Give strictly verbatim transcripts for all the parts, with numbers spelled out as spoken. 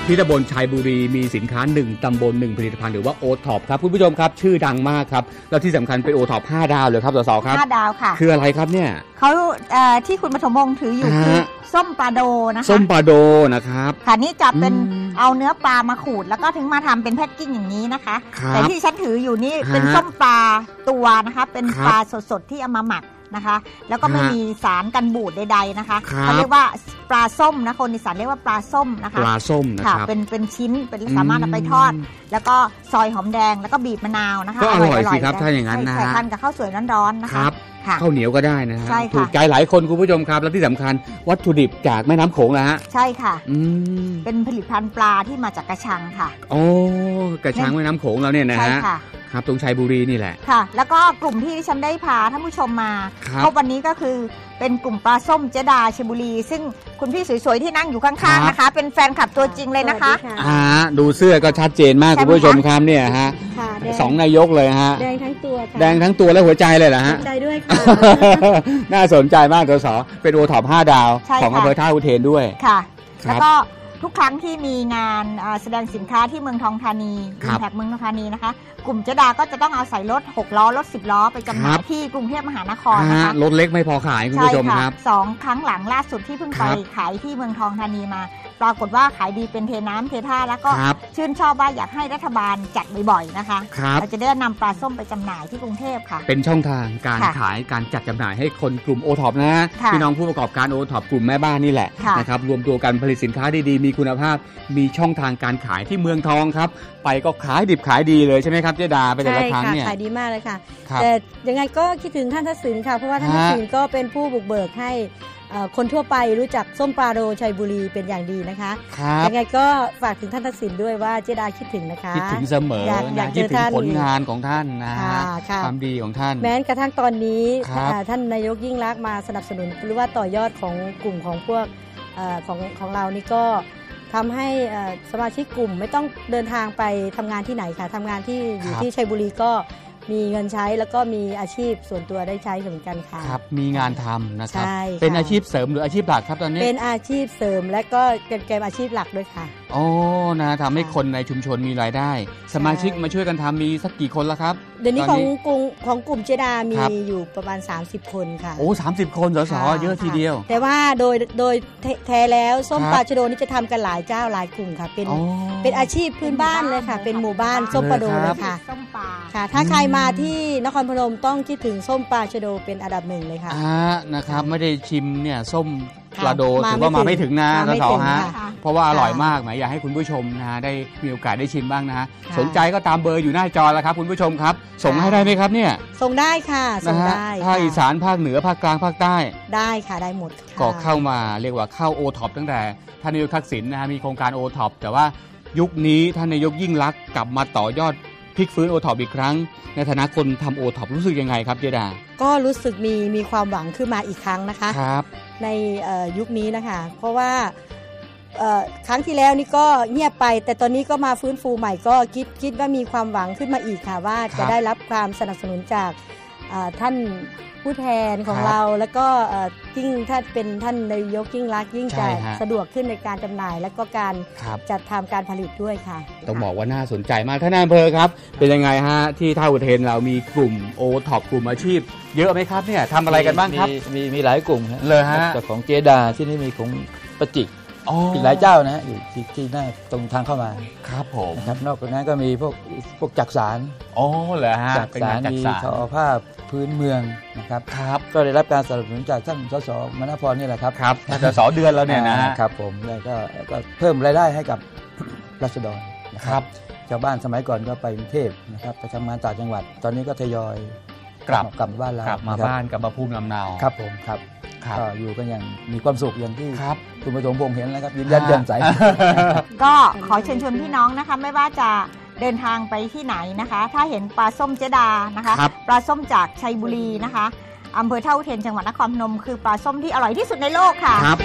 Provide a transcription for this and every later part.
ที่ตำบลชัยบุรีมีสินค้าหนึ่งตำบลหนึ่งผลิตภัณฑ์หรือว่าโอท็อปครับคุณผู้ชมครับชื่อดังมากครับแล้วที่สำคัญเป็นโอท็อปห้าดาวเลยครับสสครับห้าดาวค่ะคืออะไรครับเนี่ยเขาที่คุณปฐมวงศ์ถืออยู่คือส้มปลาโดนะคะส้มปลาโดนะครับค่ะนี่จะเป็นเอาเนื้อปลามาขูดแล้วก็ถึงมาทำเป็นแพ็คกิ้งอย่างนี้นะคะแต่ที่ฉันถืออยู่นี่เป็นส้มปลาตัวนะคะเป็นปลาสดๆที่เอามาหมักนะคะแล้วก็ไม่มีสารกันบูดใดๆนะคะเขาเรียกว่าปลาส้มนะคนอีสานเรียกว่าปลาส้มนะคะปลาส้มนะครับเป็นเป็นชิ้นเป็นสามารถเอาไปทอดแล้วก็ซอยหอมแดงแล้วก็บีบมะนาวนะคะก็อร่อยสิครับถ้าอย่างนั้นนะใส่ทานกับข้าวสวยร้อนๆนะคะข้าวเหนียวก็ได้นะฮะถูกใจหลายคนคุณผู้ชมครับและที่สำคัญวัตถุดิบจากแม่น้ำโขงนะฮะใช่ค่ะเป็นผลิตภัณฑ์ปลาที่มาจากกระชังค่ะโอ้กระชังแม่น้ำโขงเราเนี่ยนะฮะครับตรงชัยบุรีนี่แหละค่ะแล้วก็กลุ่มที่ฉันได้พาท่านผู้ชมมาเพราะวันนี้ก็คือเป็นกลุ่มปลาส้มเจดาชัยบุรีซึ่งคุณพี่สวยๆที่นั่งอยู่ข้างๆนะคะเป็นแฟนคลับตัวจริงเลยนะคะอ่าดูเสื้อก็ชัดเจนมากคุณผู้ชมครับเนี่ยฮะสองนายกเลยฮะแดงทั้งตัวแดงทั้งตัวและหัวใจเลยเหรอฮะหัวใจด้วยค่ะน่าสนใจมากสสเป็นโอท็อปห้าดาวของอำเภอท่าอุเทนด้วยค่ะแล้วก็ทุกครั้งที่มีงานแสดงสินค้าที่เมืองทองธานีแท็กเมืองทองธานีนะคะกลุ่มเจดาก็จะต้องเอาใส่รถหกล้อรถสิบล้อไปจำหน่ายที่กรุงเทพมหานครนะคะรถเล็กไม่พอขายคุณผู้ชมครับสองครั้งหลังล่าสุดที่เพิ่งไปขายที่เมืองทองธานีมาปรากฏว่าขายดีเป็นเทน้ำเทท่าแล้วก็ชื่นชอบว่าอยากให้รัฐบาลจัดบ่อยๆนะคะเราจะได้นำปลาส้มไปจำหน่ายที่กรุงเทพค่ะเป็นช่องทางการขายการจัดจำหน่ายให้คนกลุ่มโอท็อปนะพี่น้องผู้ประกอบการโอท็อปกลุ่มแม่บ้านนี่แหละนะครับรวมตัวกันผลิตสินค้าดีๆมีคุณภาพมีช่องทางการขายที่เมืองทองครับไปก็ขายดิบขายดีเลยใช่ไหมครับเจดาไปแต่ละครั้งเนี่ยขายดีมากเลยค่ะแต่ยังไงก็คิดถึงท่านทักษิณค่ะเพราะว่าท่านทักษิณก็เป็นผู้บุกเบิกให้คนทั่วไปรู้จักส้มปลาโดชัยบุรีเป็นอย่างดีนะคะยังไงก็ฝากถึงท่านทักษิณด้วยว่าเจดาคิดถึงนะคะคิดถึงเสมออยากคิดถึงผลงานของท่านนะความดีของท่านแม้กระทั่งตอนนี้ท่านนายกยิ่งลักษณ์มาสนับสนุนหรือว่าต่อยอดของกลุ่มของพวกของของเรานี่ก็ทำให้สมาชิกกลุ่มไม่ต้องเดินทางไปทำงานที่ไหนค่ะทำงานที่อยู่ที่ชัยบุรีก็มีเงินใช้แล้วก็มีอาชีพส่วนตัวได้ใช้เหมือนกันค่ะครับมีงานทำนะครับเป็นอาชีพเสริมหรืออาชีพหลักครับตอนนี้เป็นอาชีพเสริมและก็เป็นเกมอาชีพหลักด้วยค่ะโอ้นะทำให้คนในชุมชนมีรายได้สมาชิกมาช่วยกันทำมีสักกี่คนแล้วครับเดี๋ยวนี้ของกลุ่มของกลุ่มเจดามีอยู่ประมาณสามสิบคนค่ะโอ้สามสิบคนสสเยอะทีเดียวแต่ว่าโดยโดยแท้แล้วส้มปลาชะโดนี่จะทำกันหลายเจ้าหลายกลุ่มค่ะเป็นเป็นอาชีพพื้นบ้านเลยค่ะเป็นหมู่บ้านส้มปลาโดเลยค่ะค่ะถ้าใครมาที่นครพนมต้องคิดถึงส้มปลาชะโดเป็นอันดับหนึ่งเลยค่ะอ่านะครับไม่ได้ชิมเนี่ยส้มปลาโดถือว่ามาไม่ถึงนะสสฮะเพราะว่าอร่อยมากหมายอยากให้คุณผู้ชมนะฮะได้มีโอกาสได้ชิมบ้างนะฮะสนใจก็ตามเบอร์อยู่หน้าจอแล้วครับคุณผู้ชมครับส่งให้ได้ไหมครับเนี่ยส่งได้ค่ะส่งได้ภาคอีสานภาคเหนือภาคกลางภาคใต้ได้ค่ะได้หมดก็เข้ามาเรียกว่าเข้าโอท็อปตั้งแต่ท่านนายกทักษิณนะฮะมีโครงการโอท็อปแต่ว่ายุคนี้ท่านนายกยิ่งลักษณ์กลับมาต่อยอดพลิกฟื้นโอท็อปอีกครั้งในฐานะคนทำโอท็อปรู้สึกยังไงครับเจดาก็รู้สึกมีมีความหวังขึ้นมาอีกครั้งนะคะครับในยุคนี้นะคะเพราะว่าครั้งที่แล้วนี่ก็เงียบไปแต่ตอนนี้ก็มาฟื้นฟูใหม่ก็คิดคิดว่ามีความหวังขึ้นมาอีกค่ะว่าจะได้รับความสนับสนุนจากท่านผู้แทนของเราแล้วก็ยิ่งถ้าเป็นท่านนายกยิ่งรักยิ่งจะสะดวกขึ้นในการจำหน่ายและก็การจัดทำการผลิตด้วยค่ะต้องบอกว่าน่าสนใจมากท่านนายอำเภอครับเป็นยังไงฮะที่ท่าอุเทนเรามีกลุ่มโอท็อปกลุ่มอาชีพเยอะไหมครับเนี่ยทำอะไรกันบ้างครับมีมีหลายกลุ่มเลยฮะแต่ของเจดาที่นี่มีของประจิกอีกหลายเจ้านะอยู่ที่ที่หน้าตรงทางเข้ามาครับผมนะครับนอกจากนั้นก็มีพวกพวกจักสารอ๋อเหรอฮะจักสารมีทอผ้าพื้นเมืองนะครับครับก็ได้รับการสนับสนุนจากท่านสสมณพรนี่แหละครับครับสสเดือนแล้วเนี่ยนะครับผมแล้วก็ก็เพิ่มรายได้ให้กับราษฎรนะครับชาวบ้านสมัยก่อนก็ไปกรุงเทพนะครับไปทำงานต่างจังหวัดตอนนี้ก็ทยอยกลับกลับบ้านเรากลับมาบ้านกลับมาภูมิลำเนาครับผมครับก็อยู่กันอย่างมีความสุขอย่างที่คุณผู้ชมพงเห็นแล้วครับยิ้มแย้มแจ่มใสก็ขอเชิญชวนพี่น้องนะคะไม่ว่าจะเดินทางไปที่ไหนนะคะถ้าเห็นปลาส้มเจดานะคะปลาส้มจากชัยบุรีนะคะอำเภอท่าอุเทนจังหวัดนครพนมคือปลาส้มที่อร่อยที่สุดในโลกค่ะครับ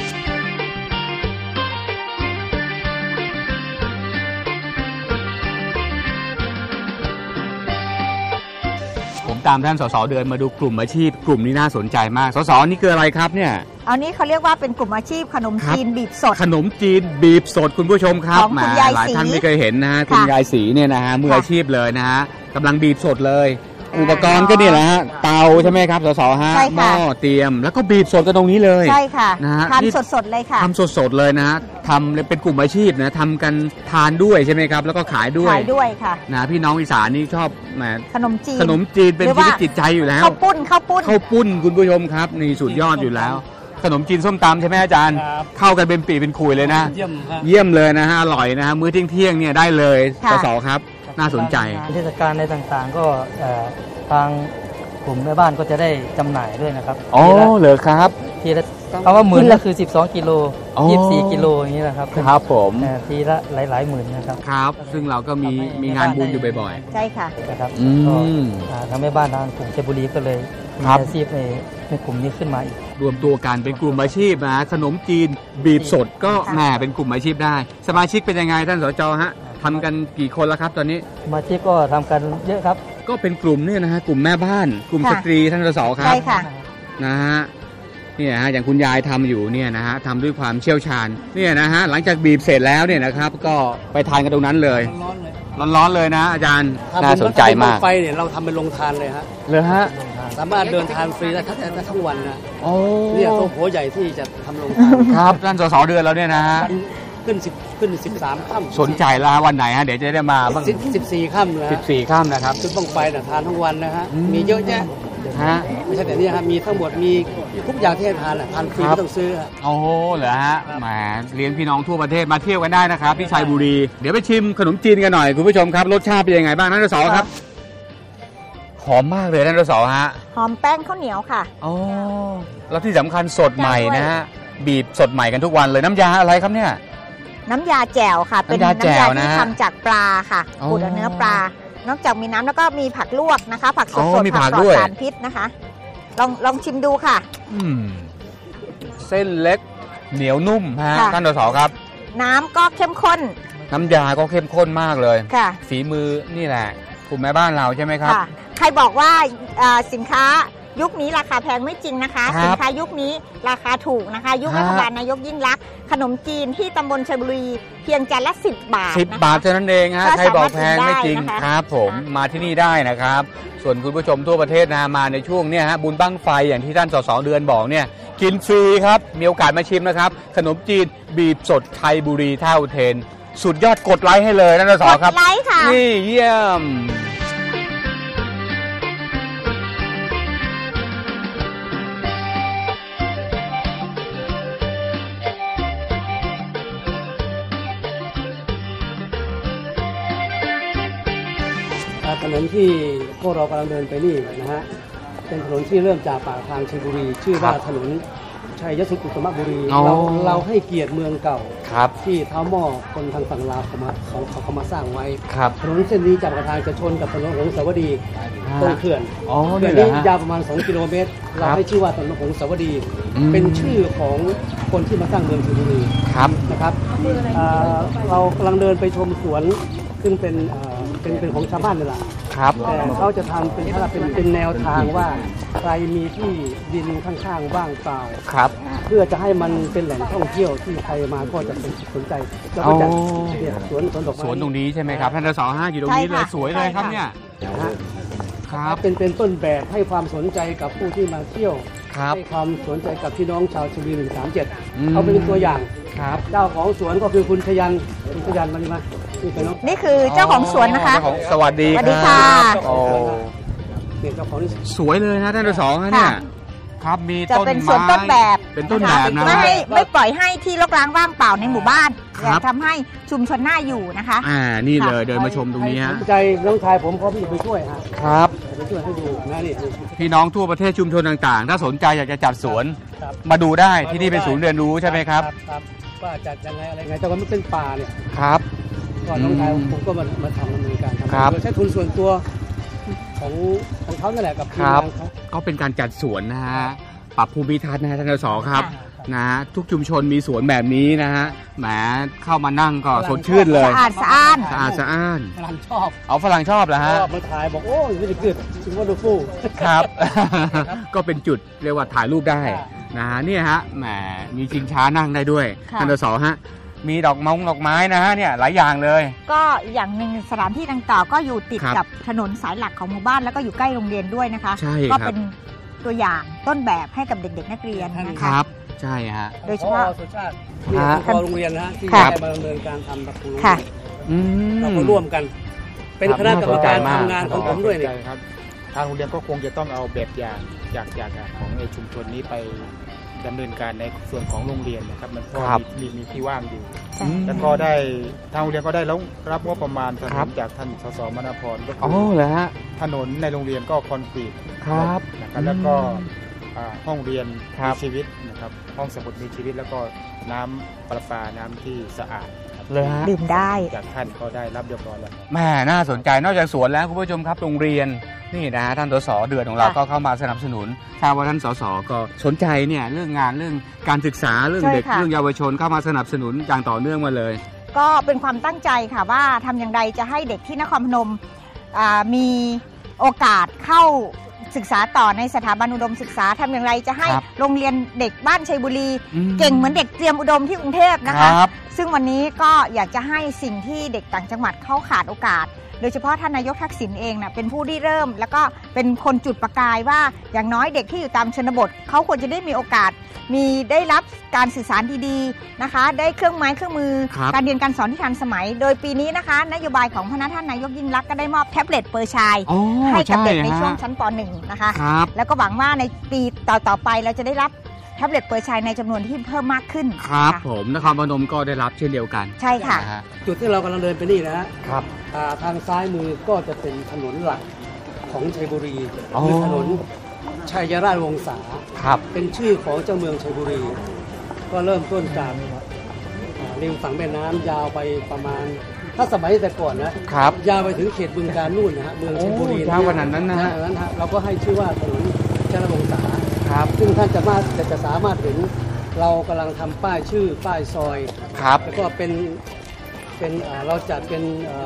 ตามท่านสสเดือนมาดูกลุ่มอาชีพกลุ่มนี้น่าสนใจมากสสนี่คืออะไรครับเนี่ยเอานี้เขาเรียกว่าเป็นกลุ่มอาชีพขนมจีนบีบสดขนมจีนบีบสดคุณผู้ชมครับของคุณยายศรีหลายท่านไม่เคยเห็นนะคุณยายศรีเนี่ยนะฮะมืออาชีพเลยนะฮะกำลังบีบสดเลยอุปกรณ์ก็เนี่ยแหละฮะเตาใช่ไหมครับสสฮะหม้อเตรียมแล้วก็บีบสดกันตรงนี้เลยใช่ค่ะนะฮะทำสดๆเลยค่ะทำสดๆเลยนะฮะทำเป็นกลุ่มอาชีพนะทำกันทานด้วยใช่ไหมครับแล้วก็ขายด้วยขายด้วยค่ะนะพี่น้องอีสานนี่ชอบแหมขนมจีนขนมจีนเป็นชีวิตจิตใจอยู่แล้วข้าวปุ้นข้าวปุ้นข้าวปุ้นคุณผู้ชมครับนี่สุดยอดอยู่แล้วขนมจีนส้มตำใช่ไหมอาจารย์เข้ากันเป็นปีเป็นคุยเลยนะเยี่ยมเยี่ยมเลยนะฮะอร่อยนะฮะมื้อเที่ยงๆเนี่ยได้เลยสสครับน่าสนใจเทศกาลในต่างๆก็ทางกลุ่มแม่บ้านก็จะได้จำหน่ายด้วยนะครับอ๋อเหรอครับทีละเอาว่าหมื่นก็คือสิบสองกิโลยี่สิบสี่กิโลอย่างนี้แหละครับครับผมทีละหลายๆหมื่นนะครับครับซึ่งเราก็มีมีงานบุญอยู่บ่อยๆใช่ค่ะนะครับทางแม่บ้านทางกลุ่มเชบุรีก็เลยมีอาชีพในในกลุ่มนี้ขึ้นมาอีกรวมตัวกันเป็นกลุ่มอาชีพนะขนมจีนบีบสดก็แหมเป็นกลุ่มอาชีพได้สมาชิกเป็นยังไงท่านสจฮะทำกันกี่คนแล้วครับตอนนี้สมาชิกก็ทำกันเยอะครับก็เป็นกลุ่มเนี่ยนะฮะกลุ่มแม่บ้านกลุ่มสตรีท่านสสครับใช่ค่ะนะฮะเนี่ยฮะอย่างคุณยายทำอยู่เนี่ยนะฮะทำด้วยความเชี่ยวชาญเนี่ยนะฮะหลังจากบีบเสร็จแล้วเนี่ยนะครับก็ไปทานกันตรงนั้นเลยร้อนๆเลยนะอาจารย์น่าสนใจมากไฟเนี่ยเราทำเป็นโรงทานเลยฮะเลยฮะสามารถเดินทานฟรีได้ทั้งทั้งวันนะเนี่ยโต๊ะโหใหญ่ที่จะทำโรงทานครับท่านสสเดือนแล้วเนี่ยนะฮะขึ้นสิบขึ้นสิบสามค่ำสนใจแล้ววันไหนฮะเดี๋ยวจะได้มาบ้างสิบสี่ค่ำนะสิบสี่ค่ำนะครับขึ้นบ้างไฟนะทานทั้งวันนะฮะมีเยอะแยะฮะไม่ใช่แต่นี่ฮะมีทั้งหมดมีทุกอย่างที่ทานทานฟรีไม่ต้องซื้อโอ้โหเหรอฮะแหมเลี้ยงพี่น้องทั่วประเทศมาเที่ยวกันได้นะครับที่ชัยบุรีเดี๋ยวไปชิมขนมจีนกันหน่อยคุณผู้ชมครับรสชาติเป็นยังไงบ้างท่านสสครับหอมมากเลยท่านสสฮะหอมแป้งข้าวเหนียวค่ะอ๋อแล้วที่สำคัญสดใหม่นะฮะบีบสดใหม่กันทุกวันเลยน้ำยาอะไรครับเนี่ยน้ำยาแจ่วค่ะเป็นน้ำยาที่ทำจากปลาค่ะขูดเนื้อปลานอกจากมีน้ำแล้วก็มีผักลวกนะคะผักสดๆผักปลอดสารพิษนะคะลองลองชิมดูค่ะเส้นเล็กเหนียวนุ่มฮะท่านสสครับน้ำก็เข้มข้นน้ำยาก็เข้มข้นมากเลยค่ะฝีมือนี่แหละกลุ่มแม่บ้านเราใช่ไหมครับใครบอกว่าสินค้ายุคนี้ราคาแพงไม่จริงนะคะสินค้ายุคนี้ราคาถูกนะคะยุครัฐบาลนายกยิ่งลักษณ์ขนมจีนที่ตำบลชัยบุรีเพียงจานละสิบบาทสิบบาทเท่านั้นเองฮะใครบอกแพงไม่จริงครับผมมาที่นี่ได้นะครับส่วนคุณผู้ชมทั่วประเทศนะมาในช่วงนี้ฮะบุญบั้งไฟอย่างที่ท่านสสเดือนบอกเนี่ยกินฟรีครับมีโอกาสมาชิมนะครับขนมจีนบีบสดชัยบุรีท่าอุเทนสุดยอดกดไลค์ให้เลยท่านสสครับกดไลค์ค่ะนี่เยี่ยมถนนที่พวกเรากำลังเดินไปนี่นะฮะเป็นถนนที่เริ่มจากปากทางชัยบุรีชื่อว่าถนนชัยสุขุมบุรีเราเราให้เกียรติเมืองเก่าที่เท้าหม้อคนทางฝั่งลาวเขามาเขาเขามาสร้างไว้ถนนเส้นนี้จากปากทางจะชนกับถนนหงสาวดีตรงเขื่อนเขื่อนนี้ยาวประมาณสองกิโลเมตรเราให้ชื่อว่าถนนหงสาวดีเป็นชื่อของคนที่มาสร้างเมืองชัยบุรีนะครับเรากำลังเดินไปชมสวนซึ่งเป็นเป็นเป็นของชาวบ้านนี่แหละครับแต่เขาจะทำเป็นถ้าเป็นเป็นแนวทางว่าใครมีที่ดินข้างๆว่างเปล่าครับเพื่อจะให้มันเป็นแหล่งท่องเที่ยวที่ใครมาก็จะสนใจแล้วก็จะเนี่ยสวนสวนดอกไม้สวนตรงนี้ใช่ไหมครับท่านสสห้าอยู่ตรงนี้เลยสวยเลยครับเนี่ยครับเป็นเป็นต้นแบบให้ความสนใจกับผู้ที่มาเที่ยวให้ความสนใจกับพี่น้องชาวชลบุรีหนึ่งสามเจ็ดเอาเป็นตัวอย่างครับเจ้าของสวนก็คือคุณชยันคุณชยันมาดีมานี่คือเจ้าของสวนนะคะสวัสดีสวัสดีค่ะโอ้สวยเลยนะท่านสสเนี่ยครับมีต้นไม้จะเป็นสวนต้นแบบเป็นต้นแบบนะไม่ไม่ปล่อยให้ที่รกร้างว่างเปล่าในหมู่บ้านอยากทำให้ชุมชนน่าอยู่นะคะอ่านี่เลยเดินมาชมตรงนี้ฮะใจน้องชายผมพร้อมที่จะไปช่วยฮะครับไปช่วยให้ดูนะนี่พี่น้องทั่วประเทศชุมชนต่างๆถ้าสนใจอยากจะจัดสวนมาดูได้ที่นี่เป็นศูนย์เรียนรู้ใช่ไหมครับว่าจัดยังไงอะไรไงแต่ว่าไม่เป็นป่าเนี่ยครับก่อนน้องชายผมก็มามาทำดำเนินการทำโดยใช้ทุนส่วนตัวของของเขานั่นแหละกับทีมงานเขาก็เป็นการจัดสวนนะฮะปรับภูมิทัศน์นะฮะท่านสสครับนะทุกชุมชนมีสวนแบบนี้นะฮะแหมเข้ามานั่งก็สดชื่นเลยสะอาดสะอ้านสะอาดสะอ้านฝรั่งชอบเอาฝรั่งชอบเหรอฮะชอบมาถ่ายบอกโอ้ยวิธีเกิดชิงว่าดูฟูครับ ก็เป็นจุดเรียกว่าถ่ายรูปได้นะฮะเนี่ยฮะแหมมีชิงช้านั่งได้ด้วยท่านสสฮะมีดอกมงดอกไม้นะฮะเนี่ยหลายอย่างเลยก็อย่างหนึ่งสถานที่ดังกล่าวก็อยู่ติดกับถนนสายหลักของหมู่บ้านแล้วก็อยู่ใกล้โรงเรียนด้วยนะคะก็เป็นตัวอย่างต้นแบบให้กับเด็กๆนักเรียนนะคะครับใช่ฮะโดยเฉพาะสุชาตินี่คือโรงเรียนนะฮะที่ได้มาดำเนินการทำประตูเราก็ร่วมกันเป็นคณะกรรมการทำงานของผมด้วยเนี่ยครับทางโรงเรียนก็คงจะต้องเอาแบบอย่างจากจากของในชุมชนนี้ไปดำเนินการในส่วนของโรงเรียนนะครับมันก็มีมีที่ว่างอยู่แล้วก็ได้ทางโรงเรียนก็ได้รับงบประมาณถนนจากท่านสสมณพรก็คือถนนในโรงเรียนก็คอนกรีตครับแล้วก็ห้องเรียนมีชีวิตนะครับห้องสมุดมีชีวิตแล้วก็น้ำประปาน้ำที่สะอาดเลยฮะดื่มได้จากท่านก็ได้รับเรียบร้อยแล้วแม่น่าสนใจนอกจากสวนแล้วคุณผู้ชมครับโรงเรียนนี่นะท่านสสเดือนของเราก็เข้ามาสนับสนุนทราบว่าท่านสสก็สนใจเนี่ยเรื่องงานเรื่องการศึกษาเรื่องเด็กเรื่องเยาวชนเข้ามาสนับสนุนอย่างต่อเนื่องมาเลยก็เป็นความตั้งใจค่ะว่าทำอย่างไรจะให้เด็กที่นครพนมมีโอกาสเข้าศึกษาต่อในสถาบันอุดมศึกษาทำอย่างไรจะให้โรงเรียนเด็กบ้านชัยบุรีเก่งเหมือนเด็กเตรียมอุดมที่กรุงเทพนะคะซึ่งวันนี้ก็อยากจะให้สิ่งที่เด็กต่างจังหวัดเขาขาดโอกาสโดยเฉพาะท่านนายกทักษิณเองนะเป็นผู้ที่เริ่มแล้วก็เป็นคนจุดประกายว่าอย่างน้อยเด็กที่อยู่ตามชนบทเขาควรจะได้มีโอกาสมีได้รับการสื่อสารดีๆนะคะได้เครื่องไม้เครื่องมือการเรียนการสอนที่ทันสมัยโดยปีนี้นะคะนโยบายของพระท่านนายกยิ่งลักษณ์ก็ได้มอบแท็บเล็ตเปอร์ชัยให้กับเด็กในช่วงชั้นป .หนึ่ง นะคะแล้วก็หวังว่าในปีต่อๆไปเราจะได้รับแท็บเล็ตเปอร์ชัยในจำนวนที่เพิ่มมากขึ้นครับผมนครพนมก็ได้รับเช่นเดียวกันใช่ค่ะจุดที่เรากำลังเดินไปนี่นะครับทางซ้ายมือก็จะเป็นถนนหลักของชัยบุรีคือถนนชัยราชวงศาเป็นชื่อของเจ้าเมืองชัยบุรีก็เริ่มต้นจากริมฝั่งแม่น้ำยาวไปประมาณถ้าสมัยแต่ก่อนนะครับยาวไปถึงเขตบึงกาฬนู่นนะฮะเมืองชัยบุรียาวขนาดนั้นนะฮะนั้นฮะเราก็ให้ชื่อว่าถนนชัยราชวงศาครับซึ่งท่านจะมาจะสามารถเห็นเรากำลังทำป้ายชื่อป้ายซอยครับแล้วก็เป็นเป็นเราจัดเป็น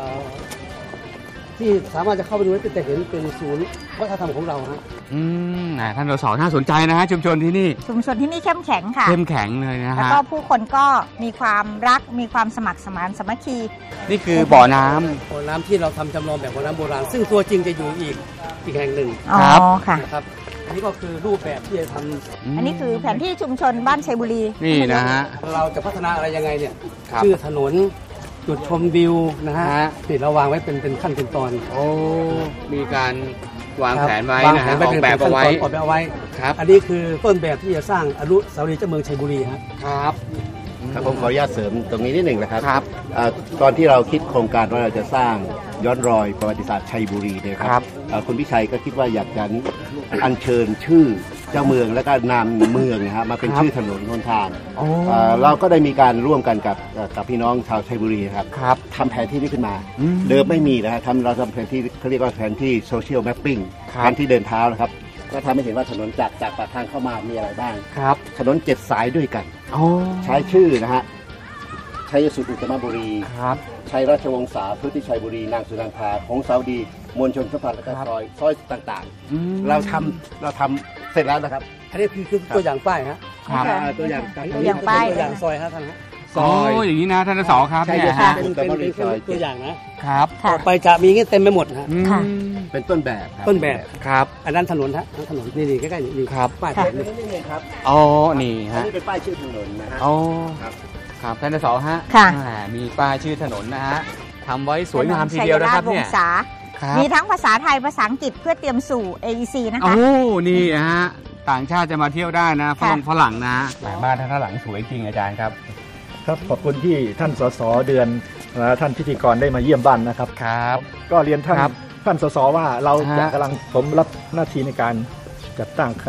ที่สามารถจะเข้าไปดูได้แต่เห็นเป็นศูนย์วัฒนธรรมของเราฮะอืมท่านสสน่าสนใจนะฮะชุมชนที่นี่ชุมชนที่นี่เข้มแข็งค่ะเข้มแข็งเลยนะฮะแล้วก็ผู้คนก็มีความรักมีความสมัครสมานสามัคคีนี่คือบ่อน้ำบ่อน้ำที่เราทำจำลองแบบบ่อน้ำโบราณซึ่งตัวจริงจะอยู่อีกอีกแห่งหนึ่งครับค่ะครับอันนี้ก็คือรูปแบบที่จะทำอันนี้คือแผนที่ชุมชนบ้านชัยบุรีนี่นะฮะเราจะพัฒนาอะไรยังไงเนี่ยชื่อถนนจุดชมวิวนะฮะนี่เราวางไว้เป็นเป็นขั้นเป็นตอนโอ้มีการวางแผนไว้นะฮะออกแบบเอาไว้ออกแบบเอาไว้ครับอันนี้คือต้นแบบที่จะสร้างอนุสาวรีย์เจ้าเมืองชัยบุรีครับครับครับผมขออนุญาตเสริมตรงนี้นิดหนึ่งนะครับครับตอนที่เราคิดโครงการว่าเราจะสร้างย้อนรอยประวัติศาสตร์ชัยบุรีเนี่ยครับคุณพิชัยก็คิดว่าอยากจะอัญเชิญชื่อเจ้าเมืองและก็นามเมืองนะครับมาเป็นชื่อถนนหนทางเราก็ได้มีการร่วมกันกับกับพี่น้องชาวชัยบุรีครับทำแผนที่นี้ขึ้นมาเดิมไม่มีนะครับทำเราทำแผนที่เขาเรียกว่าแผนที่โซเชียลแมปปิ้งแผนที่เดินเท้านะครับก็ทำให้เห็นว่าถนนจากจากปากทางเข้ามามีอะไรบ้างครับถนนเจ็ดสายด้วยกันใช้ชื่อนะฮะชัยสุอุตมบุรีครับชัยราชวงศาพุทธิชัยบุรีนางสุนันทาของสาวดีมวลชนสัมพันธ์และก็ซอยซอยต่างๆเราทำเราทำเสร็จแล้วนะครับอันนี้คือคือตัวอย่างป้ายฮะตัวอย่างตัวอย่างป้ายตัวอย่างซอยฮะท่านฮะซอยอย่างนี้นะท่านส.ครับเนี่ยฮะเป็นเป็นตัวอย่างนะครับต่อไปจะมีงี้เต็มไปหมดฮะเป็นต้นแบบต้นแบบครับอันนั้นถนนฮะถนนนี่นี่ใกล้ๆนี่ครับป้ายนี่นี่ครับอ๋อนี่ฮะนี่เป็นป้ายชื่อถนนนะฮะอ๋อครับครับท่านส.ฮะมีป้ายชื่อถนนนะฮะทำไว้สวยงามทีเดียวนะครับเนี่ยมีทั้งภาษาไทยภาษาอังกฤษเพื่อเตรียมสู่ เอ อี ซี นะคะโอ้นี่ฮะต่างชาติจะมาเที่ยวได้นะฝรั่งฝรั่งนะบ้านท่านหลังสวยจริงอาจารย์ครับครับขอบคุณที่ท่านสสเดือนและท่านพิธีกรได้มาเยี่ยมบ้านนะครับครับก็เรียนท่านท่านสสว่าเราจะกำลังผมรับหน้าที่ในการจัดตั้งคณะ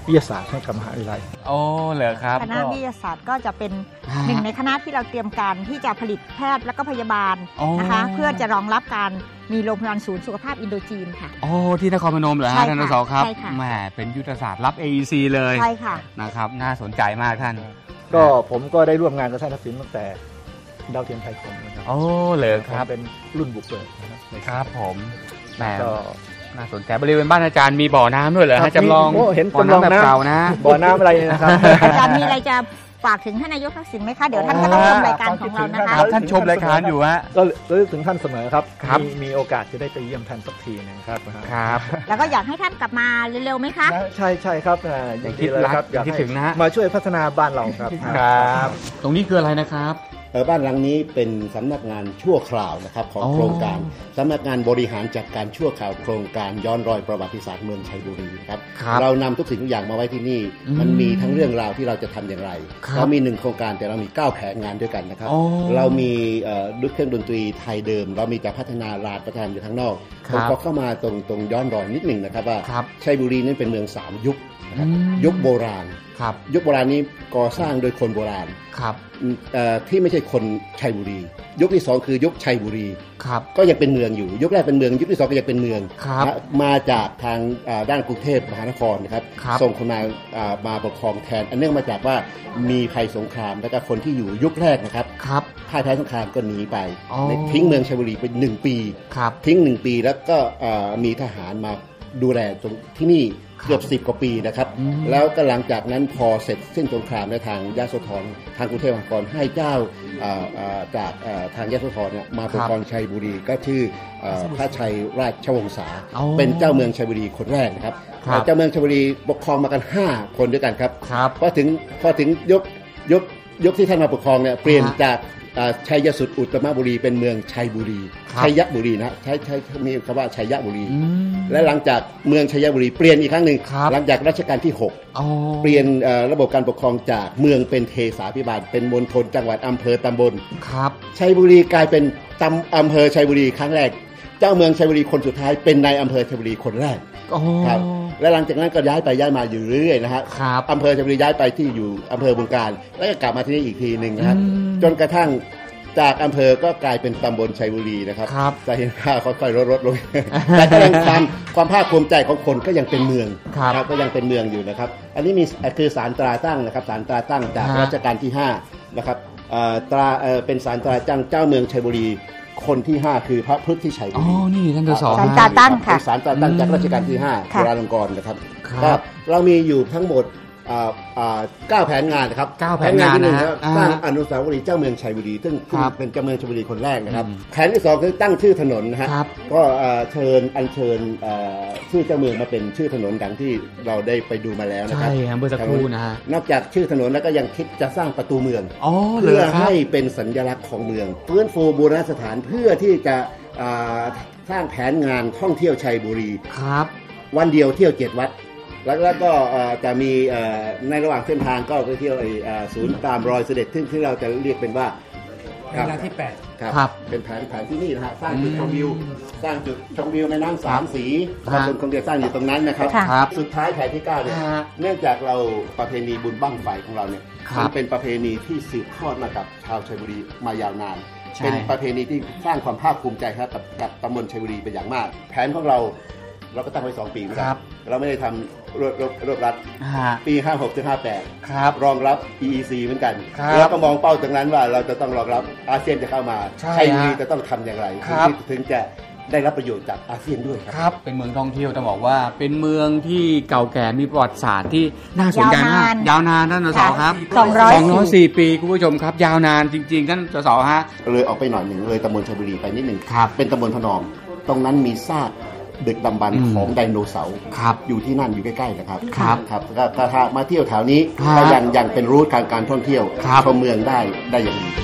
วิทยาศาสตร์ให้กับมหาวิทยาลัยโอ้เหรอครับคณะวิทยาศาสตร์ก็จะเป็นหนึ่งในคณะที่เราเตรียมการที่จะผลิตแพทย์และก็พยาบาลนะคะเพื่อจะรองรับการมีโรงพยาบาลศูนย์สุขภาพอินโดจีนค่ะโอ้ที่นครพนมเหรอฮะท่านส.ครับใช่ค่ะแหมเป็นยุทธศาสตร์รับ เอ อี ซี เลยใช่ค่ะนะครับน่าสนใจมากท่านก็ผมก็ได้ร่วมงานกับท่านทักษิณตั้งแต่ดาวเทียมไทยคมนะครับโอ้เหรอครับเป็นรุ่นบุกเบิกนะครับครับผมแหมน่าสนใจบริเวณบ้านอาจารย์มีบ่อน้ำด้วยเหรอฮะจำลองเห็นจำลองแบบเก่านะบ่อน้ำอะไรนะครับอาจารย์มีอะไรจะฝากถึงท่านนายกทักษิณไหมคะเดี๋ยวท่านก็ต้องชมรายการของเรานะคะท่านชมรายการอยู่ฮะก็ระลึกถึงท่านเสมอครับมีมีโอกาสจะได้ไปเยี่ยมท่านสักทีนึงครับครับแล้วก็อยากให้ท่านกลับมาเร็วๆไหมคะใช่ใช่ครับอย่างที่เลยครับอยากถึงนะมาช่วยพัฒนาบ้านเราครับครับตรงนี้คืออะไรนะครับบ้านหลังนี้เป็นสำนักงานชั่วคราวนะครับของโครงการสำนักงานบริหารจัดการชั่วคราวโครงการย้อนรอยประวัติศาสตร์เมืองชัยบุรีครับเรานำทุกสิ่งทุกอย่างมาไว้ที่นี่มันมีทั้งเรื่องราวที่เราจะทำอย่างไรเรามีหนึ่งโครงการแต่เรามีเก้าแผนงานด้วยกันนะครับเรามีด้วยเครื่องดนตรีไทยเดิมเรามีแต่พัฒนาลานประทานอยู่ข้างนอกผมขอเข้ามาตรงตรงย้อนรอยนิดหนึ่งนะครับว่าชัยบุรีนั้นเป็นเมืองสามยุคยุคโบราณยุคโบราณนี้ก่อสร้างโดยคนโบราณที่ไม่ใช่คนชัยบุรียุคที่สองคือยุคชัยบุรีก็ยังเป็นเมืองอยู่ยุคแรกเป็นเมืองยุคที่สองก็ยังเป็นเมืองมาจากทางด้านกรุงเทพมหานครนะครับส่งคนมามาปกครองแทนอันเนื่องมาจากว่ามีภัยสงครามแล้วก็คนที่อยู่ยุคแรกนะครับพ่ายแพ้สงครามก็หนีไปทิ้งเมืองชัยบุรีไปหนึ่งปีทิ้งหนึ่งปีแล้วก็มีทหารมาดูแลตรงที่นี่เกือบสิบกว่าปีนะครับแล้วก็หลังจากนั้นพอเสร็จสิ้นสงครามในทางยโสธรทางกรุงเทพมหานครให้เจ้าจากทางยโสธรเนี่ยมาปกครองชัยบุรีก็ชื่อพระชัยราชวงศาเป็นเจ้าเมืองชัยบุรีคนแรกนะครับเจ้าเมืองชัยบุรีปกครองมากันห้าคนด้วยกันครับพอถึงพอถึงยกยกยกที่ท่านมาปกครองเนี่ยเปลี่ยนจากชัยสุดอุตตมบุรีเป็นเมืองชัยบุรีชัยบุรีนะใช้ใช้มีคำว่าชัยบุรีและหลังจากเมืองชัยบุรีเปลี่ยนอีกครั้งหนึ่งหลังจากรัชกาลที่หกเปลี่ยนระบบการปกครองจากเมืองเป็นเทศาภิบาลเป็นมณฑลจังหวัดอำเภอตำบลชัยบุรีกลายเป็นตำอำเภอชัยบุรีครั้งแรกเจ้าเมืองชัยบุรีคนสุดท้ายเป็นนายอำเภอชัยบุรีคนแรกครับและหลังจากนั้นก็ย้ายไปย้ายมาอยู่เรื่อยๆนะฮะอำเภอชัยบุรีย้ายไปที่อยู่อำเภอบึงกาฬแล้วก็กลับมาที่นี่อีกทีหนึ่งนะครับจนกระทั่งจากอำเภอก็กลายเป็นตำบลชัยบุรีนะครับจะเห็นค่าค่อยๆลดๆลงแต่ก็ยังความความภาคภูมิใจของคนก็ยังเป็นเมืองครับก็ยังเป็นเมืองอยู่นะครับอันนี้มีคือศาลตราตั้งนะครับศาลตราตั้งจากรัชกาลที่ห้านะครับตราเป็นศาลตราตั้งเจ้าเมืองชัยบุรีคนที่ห้าคือพระพุทธชัยบุรีอ๋อนี่ท่านสศศาลตราตั้งค่ะศาลตราตั้งจากรัชกาลที่ห้าจุฬาลงกรณ์นะครับก็เรามีอยู่ทั้งหมดเก้าแผนงานนะครับแผนงานที่หนึ่งสร้างอนุสาวรีย์เจ้าเมืองชัยบุรีซึ่งเป็นเจ้าเมืองชัยบุรีคนแรกนะครับแผนที่สองคือตั้งชื่อถนนนะฮะก็เชิญอัญเชิญชื่อเจ้าเมืองมาเป็นชื่อถนนดังที่เราได้ไปดูมาแล้วนะครับใช่ครับเมื่อสักครู่นะฮะนอกจากชื่อถนนแล้วก็ยังคิดจะสร้างประตูเมืองเพื่อให้เป็นสัญลักษณ์ของเมืองฟื้นฟูบูรณสถานเพื่อที่จะสร้างแผนงานท่องเที่ยวชัยบุรีครับวันเดียวเที่ยวเจ็ดวัดแล้วก็จะมีในระหว่างเส้นทางก็ไปเที่ยวศูนย์ตามรอยเสด็จซึ่งที่เราจะเรียกเป็นว่าเวลาที่แปดครับเป็นแผนแผนที่นี่นะฮะสร้างจุดชมวิวสร้างจุดชมวิวแม่น้ำสามสีคนคงจะสร้างอยู่ตรงนั้นนะครับสุดท้ายแผนที่เก้าเนี่ยเนื่องจากเราประเพณีบุญบั้งไฟของเราเนี่ยมันเป็นประเพณีที่สืบทอดมากับชาวชัยบุรีมายาวนานเป็นประเพณีที่สร้างความภาคภูมิใจครับกับกับตำบลชัยบุรีเป็นอย่างมากแผนของเราเราก็ตั้งไว้สองปีนะครับเราไม่ได้ทำรวบรวบรวบรัดปีห้าหกถึงห้าแปดรองรับ อี อี ซี เหมือนกันแล้วก็มองเป้าตรงนั้นว่าเราจะต้องรองรับอาเซียนจะเข้ามาชัยบุรีจะต้องทำอย่างไรถึงจะได้รับประโยชน์จากอาเซียนด้วยครับเป็นเมืองท่องเที่ยวต้องบอกว่าเป็นเมืองที่เก่าแก่มีประวัติศาสตร์ที่น่าสนใจมากยาวนานท่านส.ครับสองร้อยสี่ปีคุณผู้ชมครับยาวนานจริงๆท่านส.ฮะเลยออกไปหน่อยหนึ่งเลยตำบลชัยบุรีไปนิดหนึ่งเป็นตำบลพนอมตรงนั้นมีซากดึกดำบรรพ์ของไดโนเสาร์อยู่ที่นั่นอยู่ใกล้ๆนะครับครับครับก็ถ้ามาเที่ยวแถวนี้ก็ยังยังเป็นรูทการการท่องเที่ยวชมเมืองได้ได้อย่างดี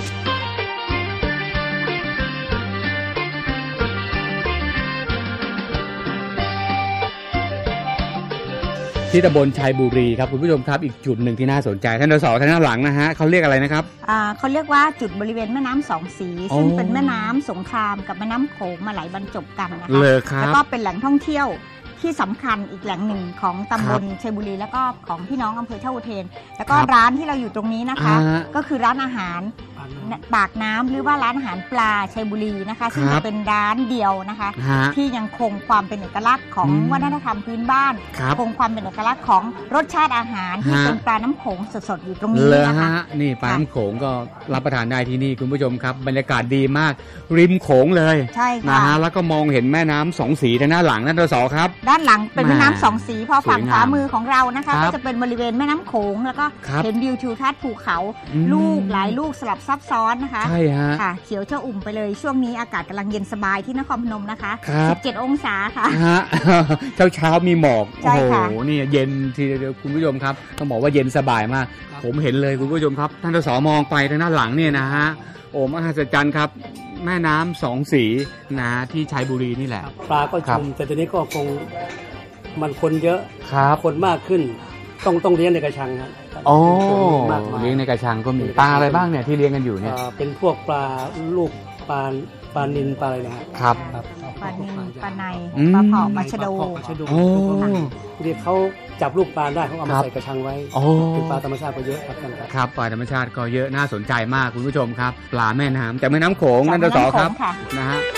ที่ตำบลชัยบุรีครับคุณผู้ชมครับอีกจุดหนึ่งที่น่าสนใจท่านส.ท่านหลังนะฮะเขาเรียกอะไรนะครับอ่าเขาเรียกว่าจุดบริเวณแม่น้ำสองสีซึ่งเป็นแม่น้ำสงครามกับแม่น้ำโขงมาไหลบรรจบกันนะคะแล้วก็เป็นแหล่งท่องเที่ยวที่สำคัญอีกแหล่งหนึ่งของตำบลชัยบุรีแล้วก็ของพี่น้องอำเภอท่าอุเทนแล้วก็ร้านที่เราอยู่ตรงนี้นะคะก็คือร้านอาหารปากน้ำหรือว่าร้านอาหารปลาชัยบุรีนะคะซึ่งจะเป็นร้านเดียวนะคะที่ยังคงความเป็นเอกลักษณ์ของวัฒนธรรมพื้นบ้านคงความเป็นเอกลักษณ์ของรสชาติอาหารที่เป็นปลาน้ำโขงสดๆอยู่ตรงนี้นะคะนี่ปลาน้ำโขงก็รับประทานได้ที่นี่คุณผู้ชมครับบรรยากาศดีมากริมโขงเลยใช่ค่ะนะฮะแล้วก็มองเห็นแม่น้ำสองสีทางด้านหลังนั่นตัวสอครับด้านหลังเป็นแม่น้ำสองสีพอฝั่งขวามือของเรานะคะก็จะเป็นบริเวณแม่น้ำโขงแล้วก็เห็นวิวทิวทัศน์ภูเขาลูกหลายลูกสลับซับซ้อนนะคะใช่ฮะค่ะเขียวเจ้าอุ่มไปเลยช่วงนี้อากาศกำลังเย็นสบายที่นครพนมนะคะสิบเจ็ดองศาค่ะเช้าเช้ามีหมอกโอ้โหนี่เย็นทีเดียวคุณผู้ชมครับต้องบอกว่าเย็นสบายมากผมเห็นเลยคุณผู้ชมครับท่านสมองไปทางด้านหลังเนี่ยนะฮะโอ้มหัศจรรย์ครับแม่น้ำสองสีนะที่ชัยบุรีนี่แหละปลาก็ชุมแต่ตอนนี้ก็คงมันคนเยอะคนมากขึ้นต้องต้องเลี้ยงในกระชังครับโอ้เลี้ยงในกระชังก็มีปลาอะไรบ้างเนี่ยที่เลี้ยงกันอยู่เนี่ยเป็นพวกปลาลูกปลาปลานิลปลาอะไรนะครับปลานิลปลาในปลาเผาปลาชะโดโอ้ที่เขาจับลูกปลาได้เขาเอามาใส่กระชังไว้เป็นปลาธรรมชาติก็เยอะครับกันครับปลาธรรมชาติก็เยอะน่าสนใจมากคุณผู้ชมครับปลาแม่น้ำแต่แม่น้ำโขงนั่นตัวต่อครับนะฮะ